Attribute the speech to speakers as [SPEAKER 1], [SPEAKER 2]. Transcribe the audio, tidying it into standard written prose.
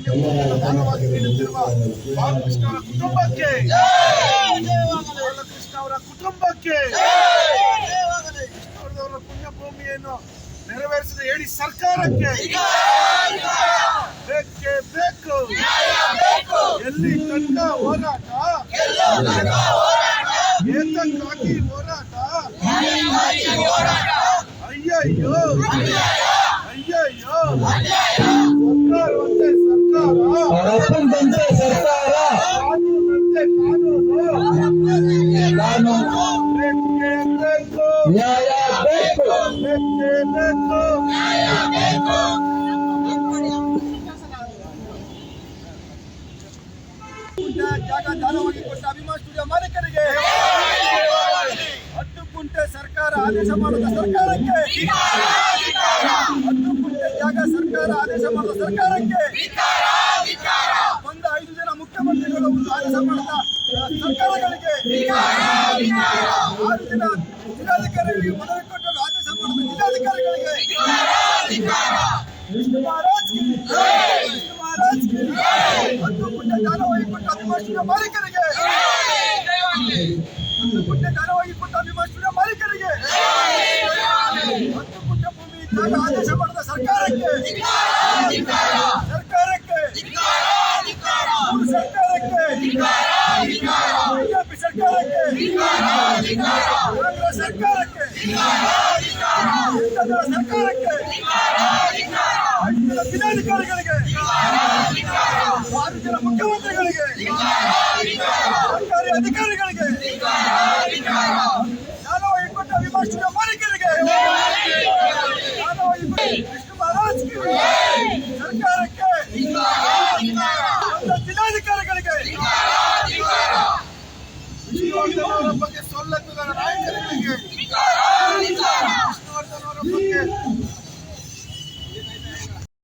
[SPEAKER 1] ಪುಣ್ಯ ಭೂಮಿಯನ್ನು ದಾನವಾಗಿ ನೀಡುತ್ತಿರುವ ಬಾಲಕೃಷ್ಣ ಅವರ ಕುಟುಂಬಕ್ಕೆ, ಬಾಲಕೃಷ್ಣ ಅವರ ಕುಟುಂಬಕ್ಕೆ, ಅವರ ಪುಣ್ಯ ಭೂಮಿಯನ್ನು ನೆರವೇರಿಸಿದ ಹೇಳಿ ಸರ್ಕಾರಕ್ಕೆ ಬೇಕೇ ಬೇಕು. ಎಲ್ಲಿ ತನಕ ಹೋರಾಟ, ಏತಕ್ಕಾಗಿ ಹೋರಾಟ? ಅಯ್ಯಯ್ಯೋ ಅಯ್ಯಯ್ಯೋ, ಸರ್ಕಾರ ಒಂದೇ ಸರ್ಕಾರ,
[SPEAKER 2] ಕಾನೂನಂತೆ ಸರ್ಕಾರ,
[SPEAKER 1] ಕಾನೂನು ಬೇಕೇ ಬೇಕು,
[SPEAKER 2] ನ್ಯಾಯ ಬೇಕು,
[SPEAKER 1] ಬೇಕೇ ಬೇಕು. ಜಾಗ ದಾನವಾಗಿ ಕೊಟ್ಟ ಅಭಿಮಾನ್ ಸ್ಟುಡಿಯೋ ಮಾಲೀಕರಿಗೆ 10 ಗುಂಟೆ ಸರ್ಕಾರ ಆದೇಶ ಮಾಡಿದ ಸರ್ಕಾರಕ್ಕೆ, 10 ಗುಂಟೆ ಜಾಗ ಸರ್ಕಾರ ಆದೇಶ ಮಾಡಿದ ಸರ್ಕಾರಕ್ಕೆ, ಒಂದು 5 ಜನ ಮುಖ್ಯಮಂತ್ರಿಗಳು ಆದೇಶ ಮಾಡಿದ ಸರ್ಕಾರಗಳಿಗೆ, 6 ಜನ ಜಿಲ್ಲಾಧಿಕಾರಿಗಳಿಗೆ ಮನವಿ ಕೊಟ್ಟರು ಆದೇಶ ಮಾಡಿದ ಜಿಲ್ಲಾಧಿಕಾರಿಗಳಿಗೆ, ಮಹಾರಾಜ್ 10 ಗುಂಟೆ ದಾನವಾಗಿ ಕೊಟ್ಟ ಅಭಿಮಾನ್ ಸ್ಟುಡಿಯೋ ಮಾಲೀಕರಿಗೆ, 10 ಗುಂಟೆ ದಾನವಾಗಿ ಕೊಟ್ಟ ಅಭಿಮಾನ್ ಸ್ಟುಡಿಯೋ ಮಾಲೀಕರಿಗೆ, 10 ಗುಂಟೆ ಭೂಮಿ ಜಾಗ ಆದೇಶ ಮಾಡಿದ ಸರ್ಕಾರಕ್ಕೆ